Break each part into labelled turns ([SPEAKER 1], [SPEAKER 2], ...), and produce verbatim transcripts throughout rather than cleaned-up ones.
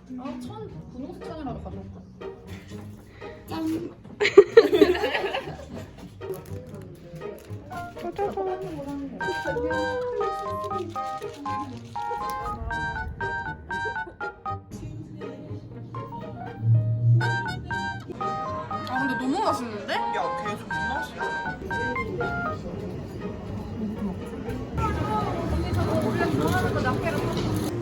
[SPEAKER 1] 아, 천 분홍색 천이라도 가져올까?
[SPEAKER 2] 짠. 아 근데 너무 맛있는데?
[SPEAKER 3] 야, 걔 좀 맛이야.
[SPEAKER 1] 언니 저거 원래 좋아하는 거 낱개로 샀어.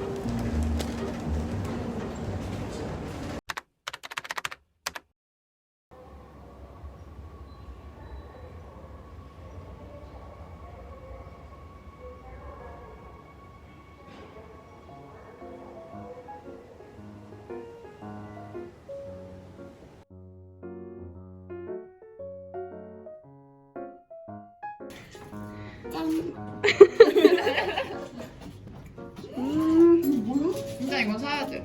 [SPEAKER 2] 짠. 음.
[SPEAKER 1] 진짜 이건 사야 돼.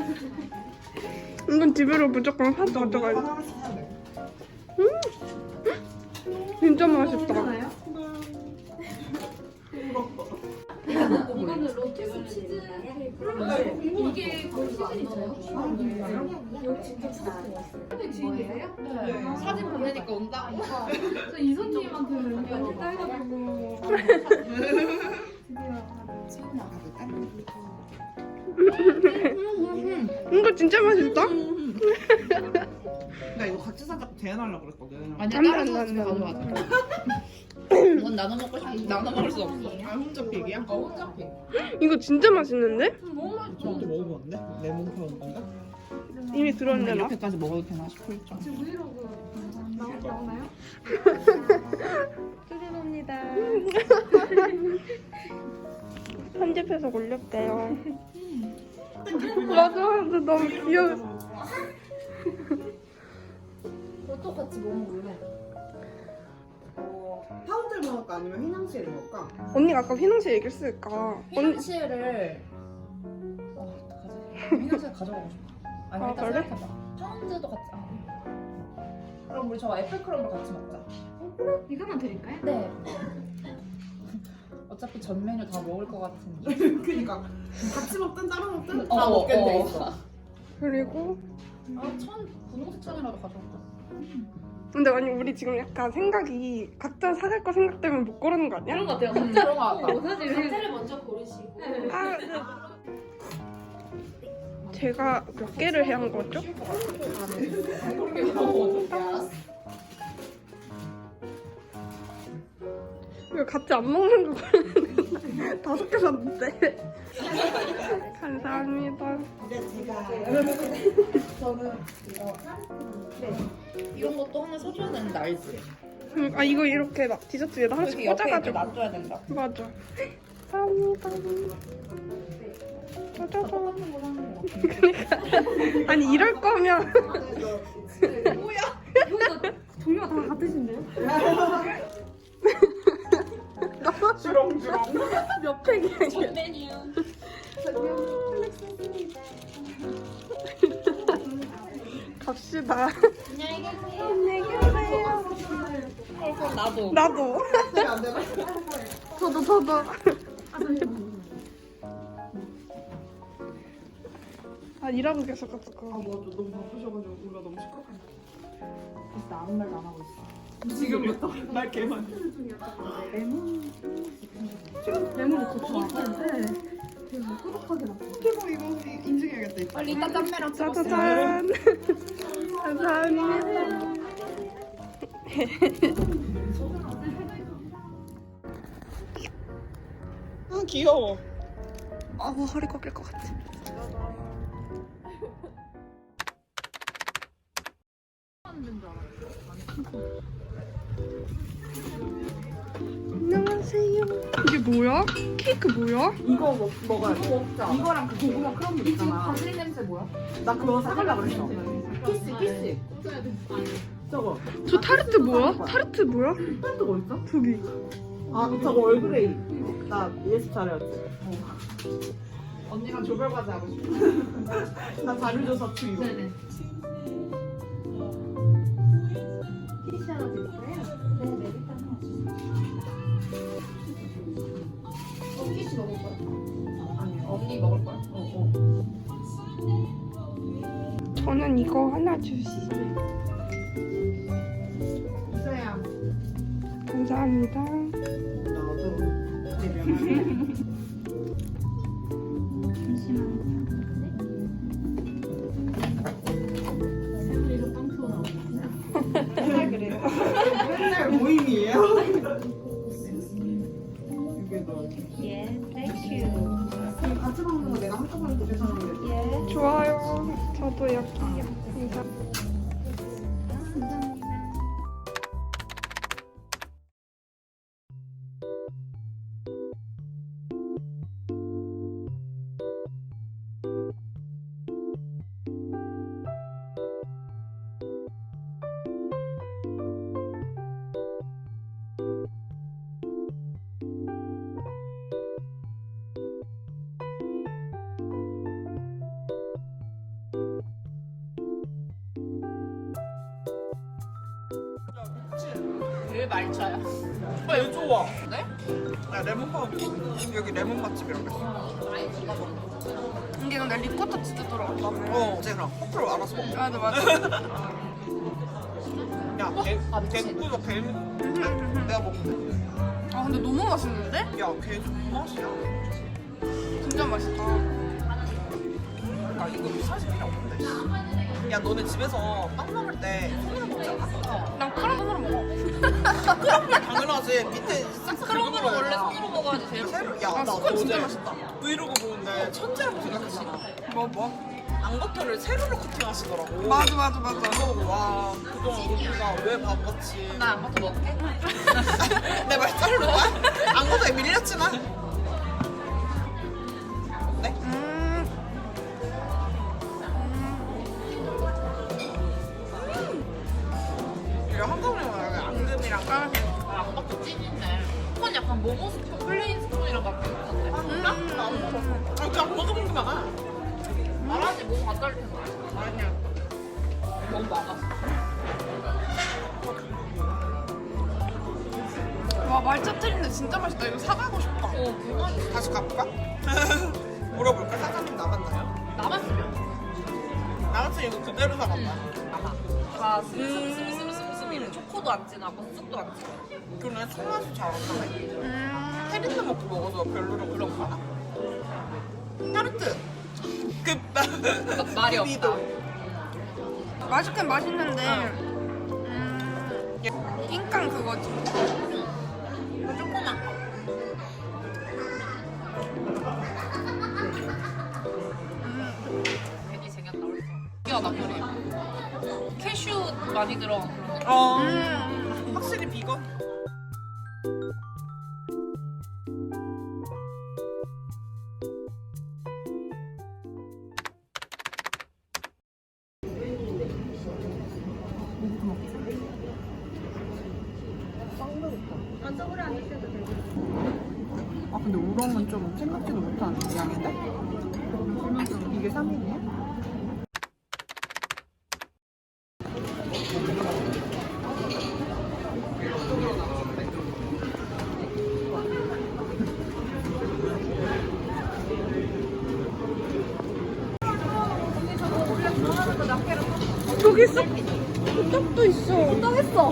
[SPEAKER 2] 이건 집으로 무조건 사서 가져가야 돼.
[SPEAKER 3] 하나씩 사야 돼.
[SPEAKER 2] 진짜 맛있다.
[SPEAKER 1] 이거는 로투스 치즈 이게 거의 시즌 있어요? 여기 진짜 추억 지인이세요? 네. 사진 보내니까 온다. 저 이선님한테는 이거 따가지고.
[SPEAKER 2] 이거 진짜 맛있다.
[SPEAKER 3] 나 이거 같이 살짝 제안하려고 그랬거든.
[SPEAKER 1] 아니
[SPEAKER 2] 안 돼,
[SPEAKER 1] 다른
[SPEAKER 2] 안 돼,
[SPEAKER 1] 사람
[SPEAKER 2] 안 돼.
[SPEAKER 1] 가져가자. 이건 나눠 먹고 싶은데 나눠 먹을 수 없어.
[SPEAKER 3] 아, 혼자 픽이야?
[SPEAKER 1] 어 혼자 픽.
[SPEAKER 2] 이거 진짜 맛있는데?
[SPEAKER 1] 너무 맛있어.
[SPEAKER 3] 저것도 먹어봤는데? 레몬 파운 건가?
[SPEAKER 2] 이미 들었는데 나.
[SPEAKER 3] 이렇게까지 먹어도 되나 싶을 정도.
[SPEAKER 1] 지금 브이로그 나오나요?
[SPEAKER 2] 뚜리입니다. 편집해서 올렸대요. 맞아, 근데 너무 귀여워.
[SPEAKER 1] 그것도 같이 먹어볼래.
[SPEAKER 3] 어, 파운드를 먹을까 아니면 휘낭시에를 먹을까?
[SPEAKER 2] 언니가 아까 휘낭시 얘기했으니까. 언니,
[SPEAKER 1] 휘낭시에를 어 어떡하지? 휘낭시에 가져가고 싶어. 아니
[SPEAKER 2] 아,
[SPEAKER 1] 일단
[SPEAKER 2] 그래?
[SPEAKER 1] 생각해봐. 파운드도 같이. 아. 그럼 우리 저 애플크럼도 같이 먹자.
[SPEAKER 4] 이거만 드릴까요?
[SPEAKER 1] 네. 어차피 전 메뉴 다 먹을 것 같은데.
[SPEAKER 3] 그니까 같이 먹든 따로 먹든
[SPEAKER 1] 어,
[SPEAKER 3] 다 먹게
[SPEAKER 1] 어.
[SPEAKER 3] 돼 있어.
[SPEAKER 2] 그리고.
[SPEAKER 1] 아, 천 분홍색 천이라도 가져올까?
[SPEAKER 2] 근데 아니, 우리 지금 약간 생각이 각자 사갈 거 생각 때문에 못 고르는 거 아니야?
[SPEAKER 4] 그런 것 같아요.
[SPEAKER 1] 음, 그런 거 같다.
[SPEAKER 4] 어, 사실
[SPEAKER 5] 각자를 먼저 고르시고
[SPEAKER 2] 아, 네. 제가 몇 개를 해야 한 거죠? 이거 같이 안 먹는 거 고르는데 다섯 개 샀는데. 감사합니다.
[SPEAKER 3] 이제 제가 저는 이거
[SPEAKER 1] 이런 것도 하나 사줘야 되는데 알지?
[SPEAKER 2] 음, 아 이거 이렇게 막 디저트 위에다 하나씩
[SPEAKER 1] 이렇게 옆에 이렇게
[SPEAKER 2] 꽂아가지고.
[SPEAKER 1] 놔줘야 된다.
[SPEAKER 2] 맞아. 감사합니다. 짜자잔.
[SPEAKER 1] 똑같은 거 사는 거.
[SPEAKER 2] 그러니까 아니 이럴 거면
[SPEAKER 4] 여기가 종류가 다 같으신데요?
[SPEAKER 3] 주렁주렁.
[SPEAKER 2] 몇 팩이야 이게.
[SPEAKER 5] 메뉴
[SPEAKER 2] 갑시다.
[SPEAKER 5] 안녕히 계세요.
[SPEAKER 2] 안녕히 계세요.
[SPEAKER 1] 그럼 나도.
[SPEAKER 2] 나도.
[SPEAKER 3] 안 되나?
[SPEAKER 2] 저도 저도. 아 일하고 계셔가지고.
[SPEAKER 3] 아 맞아, 너무 바쁘셔가지고 우리가 너무 시끄럽네.
[SPEAKER 1] 진짜 아무 말도 안 하고 있어.
[SPEAKER 3] 지금부터 말 개만.
[SPEAKER 4] 레몬이 더 좋아하는데 되게 꾸덕하게 났어.
[SPEAKER 3] 이거 이거 인증해야겠다.
[SPEAKER 1] 빨리 이따 짬매랑 찍었어.
[SPEAKER 2] 짜자잔. 감사합니다.
[SPEAKER 3] 아 귀여워.
[SPEAKER 2] 아 허리 꺾일 것 같아. 안녕하세요. 이게 뭐야? 케이크 뭐야?
[SPEAKER 3] 이거 먹, 먹어야 돼.
[SPEAKER 1] 먹자.
[SPEAKER 3] 이거랑 그 고구마 크럼블
[SPEAKER 1] 지금
[SPEAKER 3] 있잖아.
[SPEAKER 1] 바질 냄새 뭐야?
[SPEAKER 3] 나 그거 사달라 그랬어.
[SPEAKER 1] 키스 키스.
[SPEAKER 3] 저거.
[SPEAKER 2] 저 타르트 뭐야? 타르트 뭐야?
[SPEAKER 3] 팬트가 어딨어?
[SPEAKER 2] 저기.
[SPEAKER 3] 아 저거 얼그레이. 나 예습 잘해왔지. 언니랑 조별 과제 하고 싶어. 나 자료조사 투 이거.
[SPEAKER 4] 네네.
[SPEAKER 5] 티셔츠 하나 드릴까요? 네, 메리카 하나 주세요.
[SPEAKER 1] 어, 키스 먹을 거야? 아니 언니 먹을 거야? 어 어.
[SPEAKER 2] 저는 이거 하나 주시죠.
[SPEAKER 3] 이서야.
[SPEAKER 2] 감사합니다.
[SPEAKER 3] 너도 대변. 맨날 모임이에요. 이게 너.
[SPEAKER 5] 예, 땡큐.
[SPEAKER 3] 같이 먹는 거 내가 한꺼번에 드셔서는
[SPEAKER 5] 예.
[SPEAKER 2] 좋아요. 저도 여기요. 감사합니다.
[SPEAKER 1] 왜 말차야?
[SPEAKER 3] 아, 얘 좋아. 네? 야, 레몬빵. 여기 레몬 맛집이라고 했어.
[SPEAKER 2] 이게 근데 리코타 치즈 들어갔다며.
[SPEAKER 3] 어, 제가 커플로 알아서 먹자.
[SPEAKER 2] 맞아 맞아.
[SPEAKER 3] 야, 개, 개꾸도 개. 내가 먹는데.
[SPEAKER 2] 아 근데 너무 맛있는데?
[SPEAKER 3] 야, 개 맛이야.
[SPEAKER 2] 진짜 맛있다.
[SPEAKER 3] 야, 이거 사실 필요 없는데. 씨. 야, 너네 집에서 빵 먹을 때 손으로 먹지 않아?
[SPEAKER 2] 난 크럼으로 먹어.
[SPEAKER 3] 그럼 당연하지. 밑에 싹싹
[SPEAKER 1] 크롬으로 원래 손으로 먹어야지 제일
[SPEAKER 3] 새로. 야,
[SPEAKER 2] 아,
[SPEAKER 3] 나
[SPEAKER 2] 스콘 진짜
[SPEAKER 3] 어제
[SPEAKER 2] 맛있다.
[SPEAKER 3] 브이로그 보는데 천재라고 생각했어.
[SPEAKER 2] 뭐 뭐?
[SPEAKER 3] 앙버터를 세로로 커팅하시더라고.
[SPEAKER 2] 맞아 맞아 맞아.
[SPEAKER 3] 그거 보고 와, 그동안 우리가 왜 바보같이.
[SPEAKER 1] 나 아무것도 먹게?
[SPEAKER 3] 내 말 자르는 거야? 앙버터에 밀렸지만. 어때?
[SPEAKER 2] 음.
[SPEAKER 3] 이거 한꺼번에 먹으면 앙금이랑
[SPEAKER 2] 아,
[SPEAKER 1] 아, 아까 찐인데. 그건 약간 모모 스푼, 플레인 스푼이랑 같은 건데.
[SPEAKER 3] 아, 진짜? 나안 먹었어. 아, 그냥 먹어본 게 많아.
[SPEAKER 1] 말하지 모모 안 달릴 텐데.
[SPEAKER 3] 아니야.
[SPEAKER 1] 너무 많았어.
[SPEAKER 2] 와 말차 트린데 진짜 맛있다. 이거 사가고 싶다.
[SPEAKER 1] 어, 그만.
[SPEAKER 3] 다시 가볼까? 물어볼까? 사장님 남았나요?
[SPEAKER 1] 남았으면.
[SPEAKER 3] 남았으면 이거 그대로 사간다.
[SPEAKER 1] 아마. 다 스미스미스미스미스미는 초코도 안 진하고 쑥도 안 진하고.
[SPEAKER 3] 그러네, 손맛이 잘 안 나네.
[SPEAKER 2] 음.
[SPEAKER 3] 테리트 먹고 먹어서 별로로 그런 거 알아? 타르트! 그,
[SPEAKER 1] 말이
[SPEAKER 3] 그
[SPEAKER 1] 없다.
[SPEAKER 3] 미도.
[SPEAKER 2] 맛있긴 맛있는데. 음. 낑깡 그거지.
[SPEAKER 1] 조그만 거. 괜히 생겼다 벌써. 신기하다 그래. 캐슈 많이 들어간 그런 느낌.
[SPEAKER 3] 어,
[SPEAKER 2] 음.
[SPEAKER 3] 확실히 비건. 아 근데 우렁은 좀 생각지도 못한 양인데? 이게 삼 인이야?
[SPEAKER 2] 저기 있어. 떡도 있어. 떡 있어.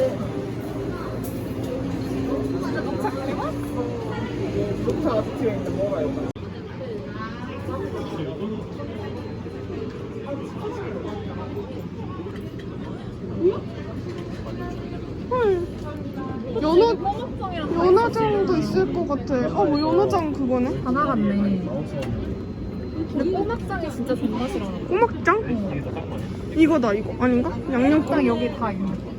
[SPEAKER 3] 녹차가 뒤에 있는데 먹어요.
[SPEAKER 2] 헐. 연어 연어장도 있을 것 같아. 어, 뭐 연어장 그거네?
[SPEAKER 4] 다 나갔네. 근데 꼬막장이 진짜 존맛이라는 거.
[SPEAKER 2] 꼬막장? 이거다 이거 아닌가? 양념장
[SPEAKER 4] 꼬막장 여기 다 있는 거.